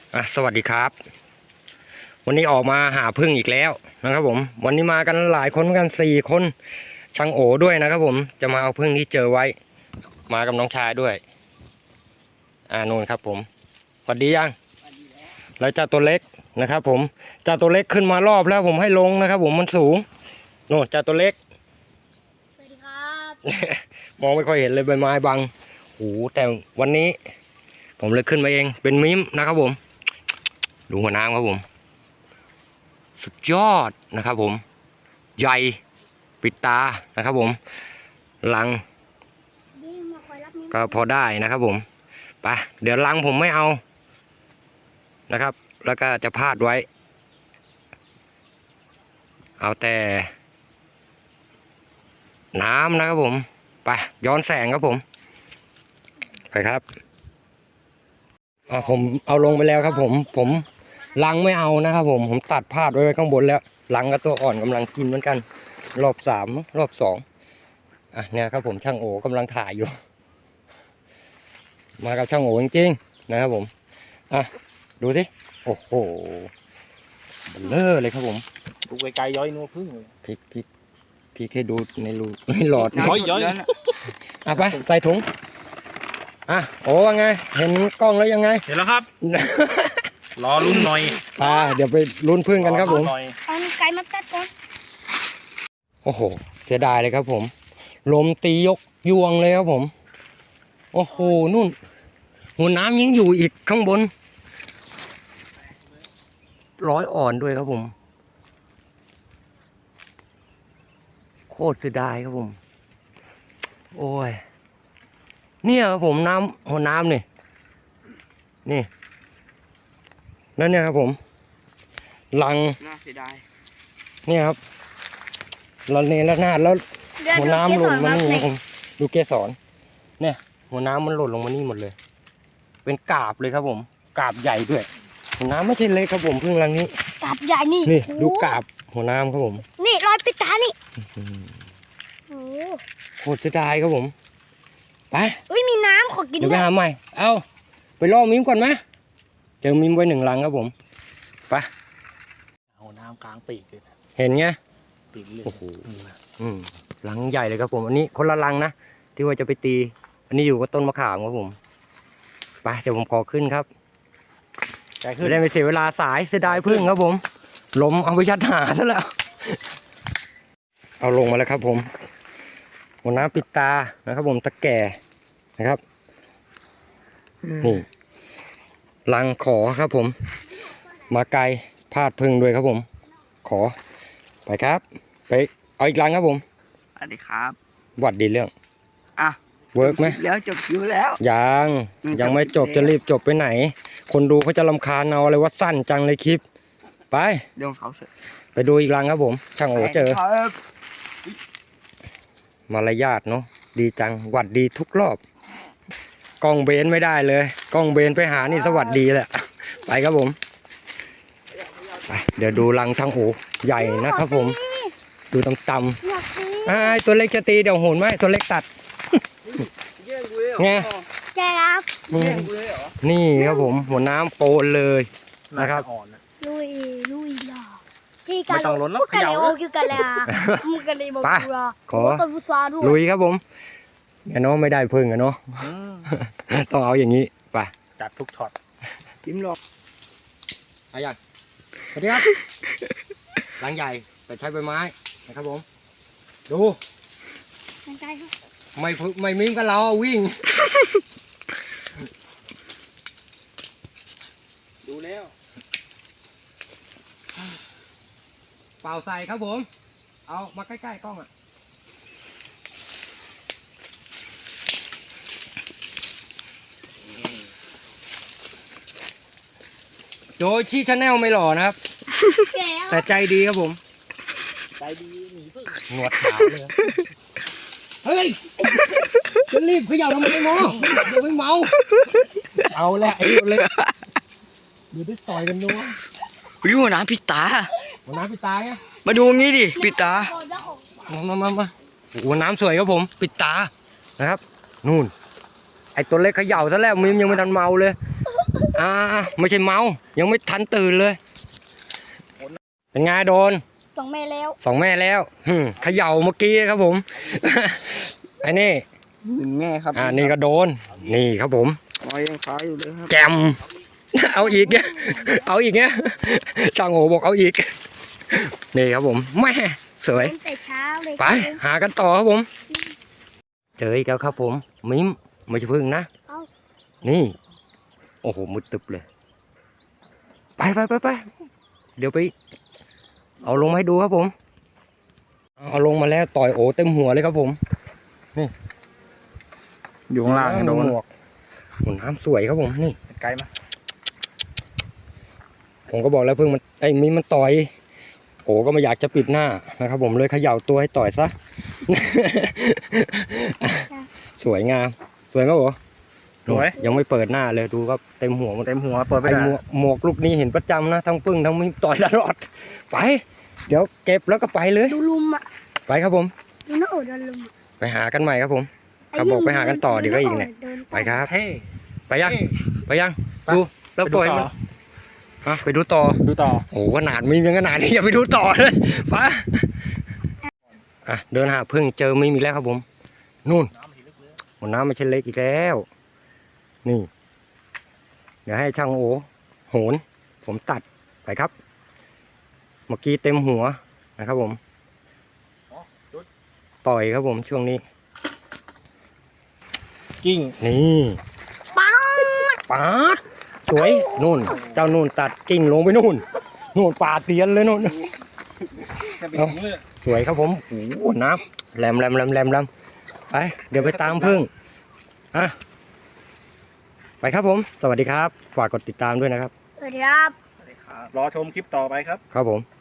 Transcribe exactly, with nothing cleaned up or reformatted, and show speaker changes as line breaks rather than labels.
อ่ะสวัสดีครับวันนี้ออกมาหาพึ่งอีกแล้วนะครับผมวันนี้มากันหลายคนเหมือนกันสี่คนช่างโอด้วยนะครับผมจะมาเอาพึ่งที่เจอไว้มากับน้องชายด้วยอ่านู่นครับผมสวัสดียังแล้วเจ้าตัวเล็กนะครับผมเจ้าตัวเล็กขึ้นมารอบแล้วผมให้ลงนะครับผมมันสูงโน่นเจ้าตัวเล็ก
สวัสดีครับ
มองไม่ค่อยเห็นเลยใบไม้บังโอ้แต่วันนี้ผมเลยขึ้นมาเองเป็นมิมนะครับผมดูหัวน้ำครับผมสุดยอดนะครับผมใหญ่ปิดตานะครับผมลังก็พอได้นะครับผมไปเดี๋ยวลังผมไม่เอานะครับแล้วก็จะพาดไว้เอาแต่น้ำนะครับผมไปย้อนแสงครับผมไปครับอ๋อผมเอาลงไปแล้วครับผมผมลังไม่เอานะครับผมผมตัดพาดไว้ข้างบนแล้วลังกับตัวอ่อนกำลังกินเหมือนกันรอบสามรอบสองอ่ะเนี่ยครับผมช่างโอกำลังถ่ายอยู่มากับช่างโอจริงๆนะครับผมอ่ะดูสิโอ้โหเบลเลอร์เลยครับผม
ดูไกลๆย้อยนัวพึ่งเลย
พริกพริกพริกให้ดูในรูในหลอด
ย้อยย้อย
อ่ะไปใส่ถุงอ่ะโอ้ว่าไงเห็นกล้องแล้วยังไง
เห็นแล้วครับ รอลุ้นหน่อย
อ่าเดี๋ยวไปลุ้นพึ่งกันครับผม
เอาไก่มาตัดก่อน
โอ้โหเสียดายเลยครับผมลมตียกยวงเลยครับผมโอ้โหนู่นหัวน้ำยังอยู่อีกข้างบนร้อยอ่อนด้วยครับผมโคตรเสียดายครับผมโอ้ยเนี่ยครับผมน้ำหัวน้ำนี่นี่นั่นเนี่ยครับผมลัง
น่าเสียดาย
เนี่ยครับเราเนรนาดแล้วหัวน้ำหล่นมานี่นะผมดูเกสรเนี่ยหัวน้ำมันหล่นลงมานี่หมดเลยเป็นกาบเลยครับผมกาบใหญ่ด้วยหัวน้ำไม่ใช่เล็กครับผมพึ่งรังนี้
กาบใหญ่นี่
นี่ดูกาบหัวน้ำครับผม
นี่รอยปิดตานี่โอ้
โคตรเสียดายครับผมไป
เฮ้ยมีน้ำขอกิน
เดี๋ยวไปหาใหม่เอาไปล่อมิมก่อนไหมเจอมิมไว้หนึ่งรังครับผมไป
เอาน้ำกลางปีกเลย
เห็นไง
ปีกเลย
โอ้โหอืมรังใหญ่เลยครับผมอันนี้คนละรังนะที่ว่าจะไปตีอันนี้อยู่กับต้นมะขามครับผมไปเดี๋ยวผมขอขึ้นครับจะได้ไม่เสียเวลาสายเสียดายพึ่งครับผมลมเอาไปชัดหาซะแล้วเอาลงมาแล้วครับผมหัวน้ำปิดตานะครับผมตะแก่นะครับนี่รังขอครับผมมาไกลพาดพึ่งด้วยครับผมขอไปครับไปเอาอีกรังครับผม
สวัสดีครับ
วัดดีเรื่อง
อ่ะ
เวิร์กไหม
แล้วจบอยู่แล้ว
ยังยังไม่จบจะรีบจบไปไหนคนดูเขาจะรำคาญเอาอะไรว่าสั้นจังเลยคลิปไป
เดี๋ยวเขาเสร็จ
ไปดูอีกรังครับผมช่างโอเจอมารยาทเนาะดีจังหวัดดีทุกรอบกล้องเบนไม่ได้เลยกล้องเบนไปหานี่สวัสดีแหละไปครับผมไปเดี๋ยวดูรังช่างโอใหญ่นะครับผมดูต่ำๆไอ้ตัวเล็กจะตีเดี๋ยวโหนไหมตัวเล็กตัดไง
ใช่ครับ
นี่ครับผมหัวน้ำโปนเลยนะครับ
ลุยลุยล่ะที่การลงกันเลยโอ้คือกันเลยอ่ะมึงกันเลยบอกกูอ่ะ
ขอลุยครับผมแกน้องไม่ได้พึ่งอะเนาะต้องเอาอย่างนี้ไป
จัดทุกช็อตจิ้มลง
อะไรอย่างสวัสดีครับรังใหญ่แต่ใช้ใบไม้นะครับผมดูไม่ไม่มิ้มกันเราวิ่ง
ดูแล้ว
เป่าใส่ครับผมเอามาใกล้ๆกล้องอ่ะโจชี่ชาแนลไม่หล่อนะครับแต่ใจดีครับผม
ใจดีหนีพึ่ง
หนวดขาวเลยเฮ้ยจะรีบขยับทำไมงอเดี๋ยวไม่เมาเอาแหละไอ้เลยเดี๋ยวได้ต่อยกันนัว
วิวน้ำปิดตา
หัวน้ำปิดตาไง
มาดูงี้ดิปิดตา
มามามามาหัวน้ำสวยครับผมปิดตานะครับนู่นไอตัวเล็กเขย่าซะแล้วมิมยังไม่ทันเมาเลยอ่าไม่ใช่เมายังไม่ทันตื่นเลยเป็นไงโดน
สองแม่แล้ว
สองแม่แล้วหึ่มเขย่าเมื่อกี้ครับผม ไอ้นี่
หนึ่งแม่ครับ
อ่านี่ก็โดนนี่ครับผม
อ๋อยังค้าอยู่เลยครับ
แจม เอาอีกเนี่ยเอาอีกเนี่ยช่างโอบอกเอาอีกนี่ครับผมแม่สวย
ตั้งแต่เช้าเลย
ไปหากันต่อครับผม เจออีกแล้วครับผมมิ้มไม่ใช่พึ่งนะ
เอ้า
นี่ โอ้โหมุดตึบเลย ไปไปไปไปเดี๋ยวไป เอาลงมาให้ดูครับผม เอาลงมาแล้วต่อยโอเต็มหัวเลยครับผม
อยู่ข้างล่างโดน
หมวกหมุนน้ำสวยครับผมนี่
ไกลไหม
ผมก็บอกแล้วพึ่งมันไอ้มิ้มมันต่อย โอ้ก็ไม่อยากจะปิดหน้านะครับผมเลยเขย่าตัวให้ต่อยซะ สวยงาม สวยไหมโอ้
สวย
ยังไม่เปิดหน้าเลยดูครับเต็มหัวหมด
เต็มหัวเปิดไป
ไอ้
ได้
หมวกหมวกลูกนี้เห็นประจำนะทั้งพึ่งทั้งมิ้มต่อยตลอด ไป เดี๋ยวเก็บแล้วก็ไปเลย
ดูลุมอ่ะ
ไปครับผม
ดูหน้าโอดโดนลุมอะ
ไปหากันใหม่ครับผม ครับบอกไปหากันต่อเดี๋ยวก็อีกเนี่ย
ดิ
ไปครับ
เท่
ไปยังไปยังดูแล้วปล่อยมันฮะไปดูต่อ
ดูต่อ
โอ้ขนาดมียังขนาดนี้อย่าไปดูต่อเลยไปอ่ะเดินหาพึ่งเจอไม่มีแล้วครับผมนู่นหมดน้ำไม่ใช่เล็กอีกแล้ว นี่ เดี๋ยวให้ช่างโอโหน ผมตัดไปครับ เมื่อกี้เต็มหัวนะครับผมปล่อยครับผมช่วงนี้
กิ้ง
นี่
ปัง
ปาดสวยนู่น เจ้านู่นตัดกิ่งลงไปนู่นนู่นป่าเตียนเลยนู่น เอา สวยครับผมโอ้โหน้ำแหลมแหลมแหลมแหลมแหลมไป เดี๋ยวไปตามพึ่งอ่ะไปครับผม สวัสดีครับ ฝากกดติดตามด้วยนะครับ
สวัสดีครับ
รอชมคลิปต่อไปครับ
ครับผม